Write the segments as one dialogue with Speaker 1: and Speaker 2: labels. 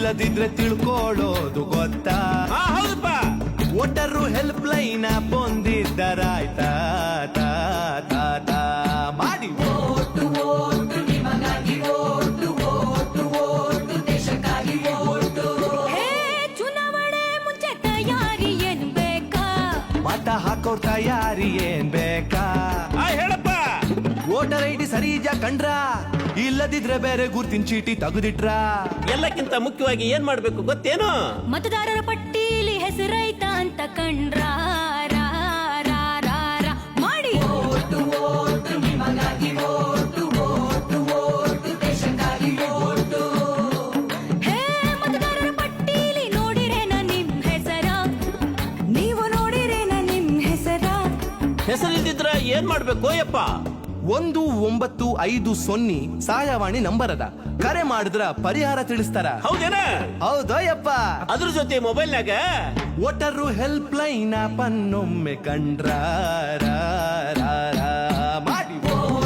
Speaker 1: ಇಲ್ಲದಿದ್ರೆ ತಿಳ್ಕೊಳ್ಳೋದು ಗೊತ್ತಾ?
Speaker 2: ಹೌದಪ್ಪ.
Speaker 1: ವೋಟರು ಹೆಲ್ಪ್ ಲೈನ್ ಬಂದಿದ್ದರಾಯ್ತಾ ತಾ ತಾ ತಾ ಮಾಡಿ.
Speaker 3: ಚುನಾವಣೆ ಮುಂಚೆ ತಯಾರಿ ಏನ್ ಬೇಕಾ?
Speaker 1: ಮತ ಹಾಕೋರ್ ತಯಾರಿ ಏನ್ ಬೇಕಾ?
Speaker 2: ಹೇಳಪ್ಪ.
Speaker 1: ವೋಟರ್ ಐಡಿ ಸರಿ ಕಂಡ್ರ, ಇಲ್ಲದಿದ್ರೆ ಬೇರೆ ಗುರ್ತಿನ ಚೀಟಿ ತೆಗೆದಿಟ್ರ.
Speaker 2: ಎಲ್ಲಕ್ಕಿಂತ ಮುಖ್ಯವಾಗಿ ಏನ್ ಮಾಡ್ಬೇಕು ಗೊತ್ತೇನು?
Speaker 3: ಮತದಾರರ ಪಟ್ಟೀಲಿ ಹೆಸರೈತಾ ಅಂತ ಕಂಡ್ರ ರಾ, ರಾ, ರಾ, ರಾ ಮಾಡಿ. ಹೇ ಮತದಾರರ ಪಟ್ಟೀಲಿ ನೋಡಿರೇನ ನಿಮ್ ಹೆಸರ? ನೀವು ನೋಡಿರೇನ ನಿಮ್ ಹೆಸರ?
Speaker 2: ಹೆಸರಿಲ್ದಿದ್ರ ಏನ್ ಮಾಡ್ಬೇಕು ಯಪ್ಪ?
Speaker 1: 1950 ಸಹಾಯವಾಣಿ ನಂಬರ್ ಅದ. ಕರೆ ಮಾಡಿದ್ರ ಪರಿಹಾರ ತಿಳಿಸ್ತಾರ.
Speaker 2: ಹೌದೇನ?
Speaker 1: ಹೌದಯ್ಯಪ್ಪ.
Speaker 2: ಅದ್ರ ಜೊತೆ ಮೊಬೈಲ್ನಾಗ
Speaker 1: ವೋಟರು ಹೆಲ್ಪ್ ಲೈನ್ ಪನ್ನೊಮ್ಮೆ ಕಂಡ್ರ ರಾ, ರಾ, ರಾ ಮಾಡಿ.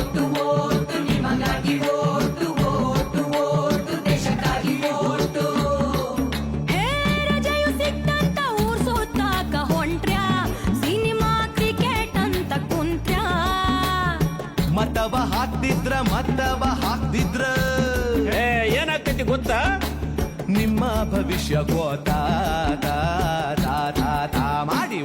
Speaker 3: ಹೇ ರಜೆಯು ಸಿಕ್ತಂತ ಊರ್ ಸುತ್ತಾಕ ಹೊಂಟ್ರ್ಯಾ? ಸಿನಿಮಾ ಕ್ರಿಕೆಟ್ ಅಂತ ಕುಂತ್ರ್ಯಾ?
Speaker 1: ಮತವ ಹಾಕ್ದಿದ್ರ
Speaker 2: ಏನಾಗ್ತೈತಿ ಗೊತ್ತಾ?
Speaker 1: ನಿಮ್ಮ ಭವಿಷ್ಯ ಗೋತಾ ತಾ ತಾ ತಾ ತಾ ಮಾಡಿ.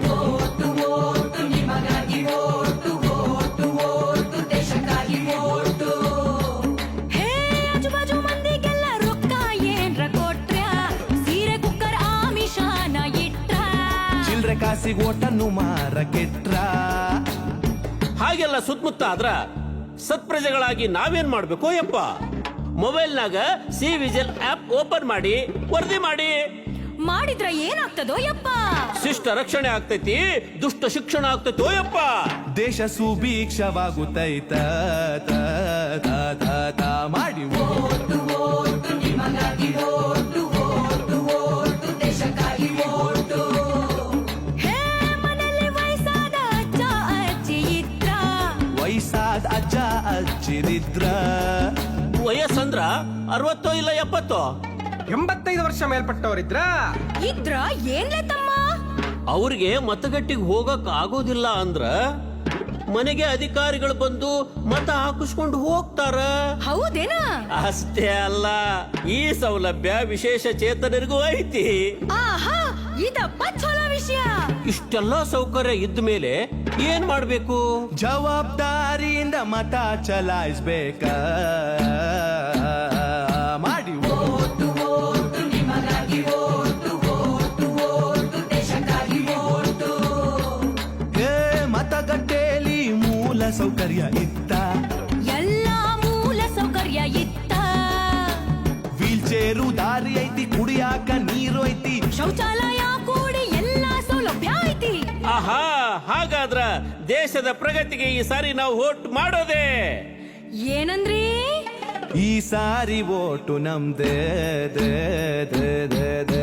Speaker 3: ಹೇ ಆಜುಬಾಜು ಮಂದಿಗೆಲ್ಲ ರೊಕ್ಕ ಏನ್ರ ಕೊಟ್ರ್ಯಾ? ಸೀರೆ ಕುಕ್ಕರ್ ಆಮಿಷಾನ ಇಟ್ರ?
Speaker 1: ಚಿಲ್ರೆ ಕಾಸಿಗೆ ಓಟನ್ನು ಮಾರಕೆಟ್ರ.
Speaker 2: ಹಾಗೆಲ್ಲ ಸುತ್ತಮುತ್ತ ಆದ್ರ ಸತ್ಪ್ರಜೆಗಳಾಗಿ ನಾವೇನ್ ಮಾಡ್ಬೇಕು ಯಪ್ಪ? ಮೊಬೈಲ್ನಾಗ ಸಿ ವಿಜಿಲ್ ಆಪ್ ಓಪನ್ ಮಾಡಿ ವರದಿ ಮಾಡಿ.
Speaker 3: ಮಾಡಿದ್ರ ಏನಾಗ್ತದೋ ಯಪ್ಪ?
Speaker 1: ಶಿಷ್ಟ ರಕ್ಷಣೆ ಆಗ್ತೈತಿ, ದುಷ್ಟ ಶಿಕ್ಷಣ ಆಗ್ತೈತೋ ಯಪ್ಪ. ದೇಶ ಸುಭೀಕ್ಷವಾಗುತ್ತೈತ ತ ತ ತ ತ ಮಾಡಿ.
Speaker 3: ಹೇ ಮನೆಯಲ್ಲಿ ವಯಸ್ಸಾದ ಅಜ್ಜ ಅಜ್ಜಿ ಇದ್ರ?
Speaker 1: ವಯಸ್ಸಾದ ಅಜ್ಜ ಅಜ್ಜಿರಿದ್ರ
Speaker 2: ವಯಸ್ಸಂದ್ರ 60 ಇಲ್ಲ 70?
Speaker 4: 85 ವರ್ಷ ಮೇಲ್ಪಟ್ಟವರಿದ್ರ
Speaker 3: ಇದ್ರ ಏನ್ಲೆ ತಮ್ಮ?
Speaker 2: ಅವ್ರಿಗೆ ಮತಗಟ್ಟಿಗೆ ಹೋಗಕ್ ಆಗೋದಿಲ್ಲ ಅಂದ್ರ ಮನೆಗೆ ಅಧಿಕಾರಿಗಳು ಬಂದು ಮತ ಹಾಕಿಸ್ಕೊಂಡು ಹೋಗ್ತಾರ.
Speaker 3: ಹೌದೇನಾ?
Speaker 2: ಅಷ್ಟೇ ಅಲ್ಲ, ಈ ಸೌಲಭ್ಯ ವಿಶೇಷ ಚೇತನರಿಗೂ ಐತಿ.
Speaker 3: ಆಹಾ, ಇದಪ್ಪ ಚಲೋ ವಿಷಯ.
Speaker 2: ಇಷ್ಟೆಲ್ಲ ಸೌಕರ್ಯ ಇದ್ದ ಮೇಲೆ ಏನ್ ಮಾಡ್ಬೇಕು?
Speaker 1: ಜವಾಬ್ದಾರಿಯಿಂದ ಮತ ಚಲಾಯಿಸ್ಬೇಕ ಮಾಡಿ. ಮತಗಟ್ಟೆಯಲ್ಲಿ ಮೂಲ ಸೌಕರ್ಯ ಇತ್ತ?
Speaker 3: ಎಲ್ಲ ಮೂಲ ಸೌಕರ್ಯ ಇತ್ತ?
Speaker 1: ವೀಲ್ ಚೇರು ದಾರಿ ಐತಿ, ಕುಡಿಯಾಕ ನೀರು ಐತಿ,
Speaker 3: ಶೌಚಾಲಯ ಕೂಡಿ ಎಲ್ಲಾ ಸೌಲಭ್ಯ ಐತಿ.
Speaker 2: ಆಹಾ, ಹಾಗಾದ್ರ ದೇಶದ ಪ್ರಗತಿಗೆ ಈ ಸಾರಿ ನಾವು ವೋಟ್ ಮಾಡೋದೇ.
Speaker 3: ಏನಂದ್ರಿ?
Speaker 1: ಈ ಸಾರಿ ಓಟು ನಮ್ದೇ ದೇ ದೇ ದೇ ದೇ